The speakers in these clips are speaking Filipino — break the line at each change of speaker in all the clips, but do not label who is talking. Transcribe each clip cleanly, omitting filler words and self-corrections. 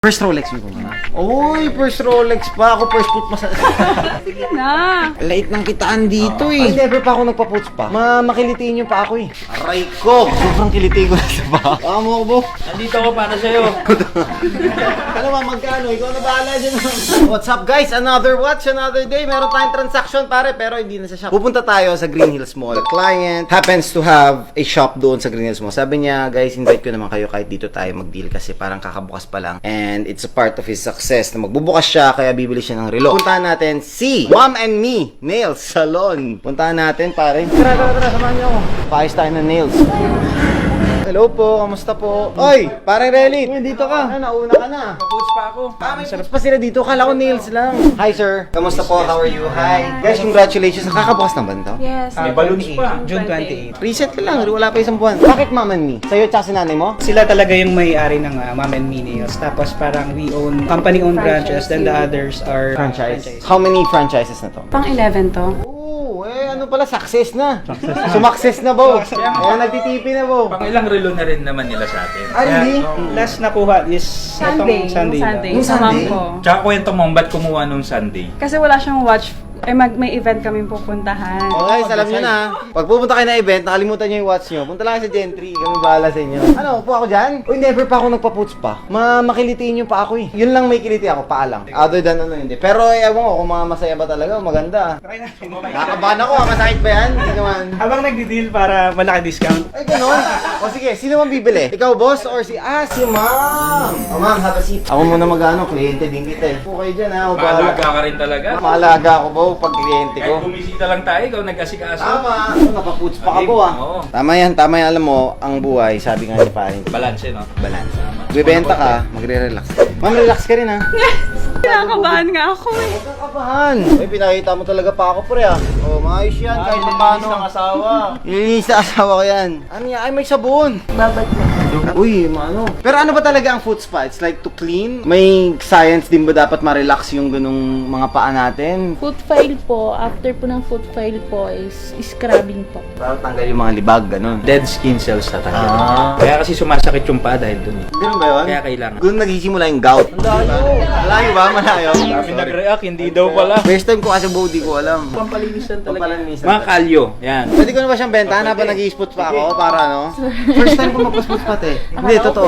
First Rolex mo muna. Uy, first Rolex pa. Ako first put mas...
Sige na.
Lait ng kitaan dito eh. Ay, never pa ako nagpa-puts pa. Makilitiin yung pa ako eh. Aray ko! Sobrang kilitiin ko na sa pa. Mo ko, bo.
Nandito ako para sa'yo.
Ano ba, magkano? Ikaw na bahala dyan. What's up guys? Another watch, another day. Meron tayong transaction pare, pero hindi na sa shop. Pupunta tayo sa Green Hills Mall. The client happens to have a shop doon sa Green Hills Mall. Sabi niya, guys, invite ko naman kayo kahit dito tayo mag-deal kasi parang kakabukas pa lang. And it's a part of his success na magbubukas siya, kaya bibili siya ng relo. Puntahan natin si Mom and Me Nails Salon. Puntahan natin pare. Tara, samahan niyo ako. Paayos tayo ng nails. Hello po, kamusta po? Oy, parang Relic. Dito ka. Nauna ka na.
Paputs pa ako.
May sarap pa sila dito. Kala ko nails lang. Hi, sir. Kamusta po? How are you? Hi. Guys, congratulations. Nakakabukas ng banda.
Yes.
May balloons pa.
June 28.
Reset lang. Wala pa isang buwan. Bakit Mom and Me? Sa'yo at si nanay mo?
Sila talaga yung may-ari ng Mom and Me Nails. Tapos parang we own company-owned branches, then the others are
Franchise. How many franchises na to?
Pang 11 to.
Oo, ano pala, success na. Sumakses na, Bo. Kaya nagtitipi na, Bo.
Pang ilang relo na rin naman nila sa atin.
Ah, really?
Last nakuha is
Sunday.
itong Sunday. lang.
Yung
Sa mom
Sunday?
ko.
Tsaka kwento mo, ba't kumuha nung Sunday?
Kasi wala siyang watch. May event kami pupuntahan.
Okay, alam nyo na. Pag pupunta kayo na event, nakalimutan nyo yung watch nyo. Punta lang kayo sa Gentry. Kami bahala sa inyo. Ano, upo ako dyan? Uy, never pa ako nagpa-puts pa. Makilitiin yung pa ako eh. Yun lang may kiliti ako, paa lang. Other than ano, hindi. Pero ewan ko kung masaya ba talaga, maganda.
Try natin.
Nakakabahan ako, masakit ba yan? Hindi naman.
Habang nagdi-deal para malaki discount.
Ay, ganun. O sige, sino man bibili? Ikaw, boss, or si... si ma'am. O ma'am, have a seat. Ako muna mag-ano, kliyente din kita eh. Upo kayo dyan ha, o bahala.
Maalaga ka rin talaga.
Maalaga ako ba pag kliyente ko?
Kahit bumisita lang tayo, ikaw nag-asikaso.
Tama. Napaputs pa ako ah.
Oo.
Tama yan. Alam mo, ang buhay, sabi nga ni Parin,
Balance, no?
balance. Bibenta ka, magre-relax. Ma'am, relax ka rin ha.
Kinakabahan nga ako eh.
Huwag kang kabahan. Ay, pinakita mo talaga pa ako pre ah. Oh, maayos yan kahit pa paano.
ng asawa.
Ilinis sa asawa ko yan. Ano yan? Ay, may sabon.
Babad na.
Uy, ano. Pero ano ba talaga ang foot spa? It's like to clean? May science din ba dapat ma-relax yung ganung mga paa natin?
Foot file po, after po ng foot file po is scrubbing po.
Para tanggal yung mga libag, ganun.
Dead skin cells na talaga.
Ah.
Kaya kasi sumasakit yung paa dahil dun.
Ganun ba yun?
Kaya kailangan.
Doon nagsisimula yung gout. Malayo ba? Malayo?
Sabi nag-react, hindi daw pala.
First time ko kasi body ko alam.
Pampalinisan talaga.
Pampalinisan.
Mga kalyo, yan.
Pwede ko na ba siyang bentahan habang nag-i-spot pa ako para ano? First time ko magpa-spot pa eh. Hindi, totoo.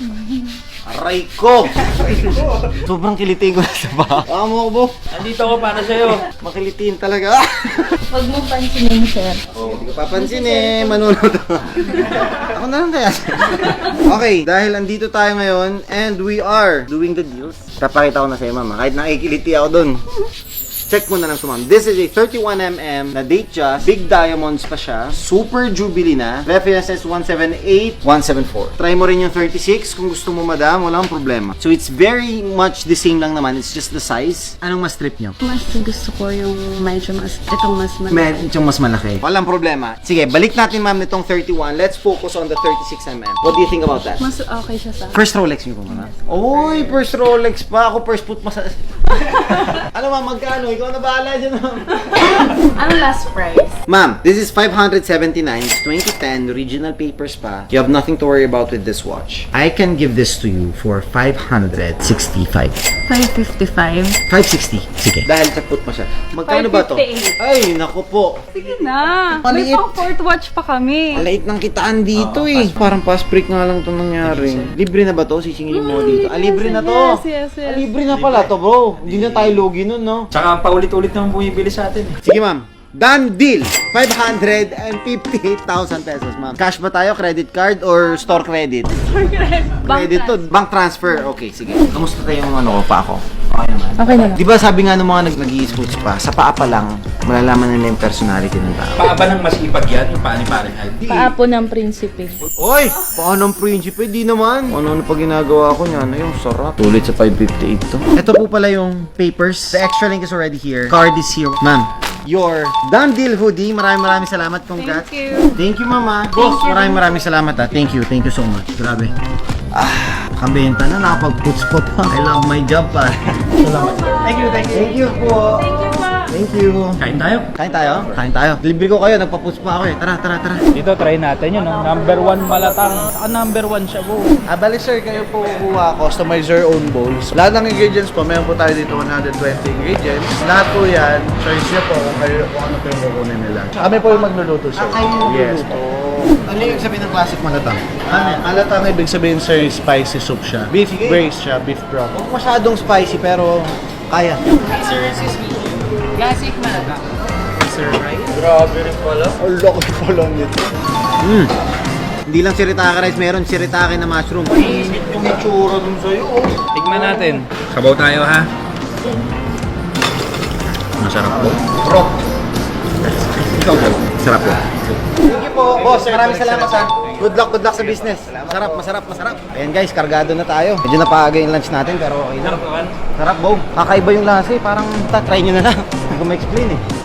Aray ko! Sobrang kilitiin ko na sa pa. Mo ko, bo.
Nandito ako para sa'yo.
Makilitiin talaga.
Huwag mo pansinin, sir.
Hindi ko papansin eh. Manunod ako. Ako na lang kaya. Okay, dahil andito tayo ngayon and we are doing the deals. Tapakita ko na sa'yo, mama. Kahit nakikiliti ako dun. Check mo na lang sumam. This is a 31mm na date just. Big diamonds pa siya. Super Jubilee na. Reference is 178, 174. Try mo rin yung 36 kung gusto mo, madam. Walang problema. So it's very much the same lang naman. It's just the size. Anong mas trip nyo?
Mas gusto ko yung medyo mas, itong mas
Medyo mas malaki. Walang problema. Sige, balik natin ma'am nitong 31. Let's focus on the 36mm. What do you think about that?
Mas okay siya sa
First Rolex nyo po muna. Uy, first Rolex pa. Ako first put mas... Ano ma'am, magkano? Ikaw na bahala dyan ma'am.
Ano last price?
Ma'am, this is 579. It's 2010. Original papers pa. You have nothing to worry about with this watch. I can give this to you for 565.
555.
560. Sige. Dahil sa put pa siya. Magkano ba to?
558.
Ay, naku po.
Sige na. May
Maliit.
pang fourth watch pa kami.
Lait ng kitaan dito eh. Parang fast break nga lang itong nangyari. Libre na ba to? Sisingilin mo dito. Libre na to.
Yes.
Libre na pala to, bro. Hindi na tayo lugi nun, no?
Tsaka paulit-ulit naman bumibili sa atin eh.
Sige, ma'am. Done deal! 558,000 pesos, ma'am. Cash ba tayo? Credit card or store credit? Credit to. Bank transfer. Okay, sige. Kamusta tayo yung ano ko pa ako? Okay naman.
Okay na lang.
Di ba sabi nga ng mga nag-i-sports pa, sa paa pa lang, malalaman nila yung personality ng tao.
Paa ba ng masipag yan? Yung paa ni Paring Aldi?
Paapo ng prinsipe.
Oy! Paano ang prinsipe? Di naman. Ano pa ginagawa ko niyan? Ayun, sarap. Tulit sa 558 to. Ito po pala yung papers. The extra link is already here. Card is here. Ma'am, your done deal hoodie. Maraming salamat. Congrats.
Thank you.
Thank you, mama. Boss, maraming salamat ha. Thank you so much. Grabe. Kabenta na, nakapag-puts pa. I love my job pa. Salamat. Thank you po.
Thank you pa.
Thank you.
Kain tayo.
Kain tayo? Kain tayo. Libre ko kayo, nagpa-push pa ako eh. Tara, tara, tara.
Dito, try natin yun. No? Number 1 malatang. Number 1 siya po.
Bali sir, kayo po kuha, customize your own bowls. Lahat ng ingredients po, meron po tayo dito 120 ingredients. Lahat po yan, choice niyo po kung ano po yung kukunin nila. Kami po yung magluluto sir. Yes po.
Ano yung sabihin ng classic malatang?
Alatang ibig sabihin sir, spicy soup siya. Beef
Sige.
braised siya, beef broth.
Huwag masyadong spicy pero kaya.
Classic malata.
Grabe rin pala. Ang laki pala nito.
Hindi lang shirataki rice, meron shirataki na mushroom.
Init yung itsura dun sa'yo.
Tikman natin. Sabaw tayo ha. Masarap po.
Bro. Ikaw po. Sarap po. Thank you po. Boss, maraming salamat ha. Good luck sa business. Masarap. Ayan guys, kargado na tayo. Medyo napaaga yung lunch natin pero okay lang. Sarap, Bo. Kakaiba yung lasa eh. Parang try nyo na lang. Hindi ko ma-explain eh.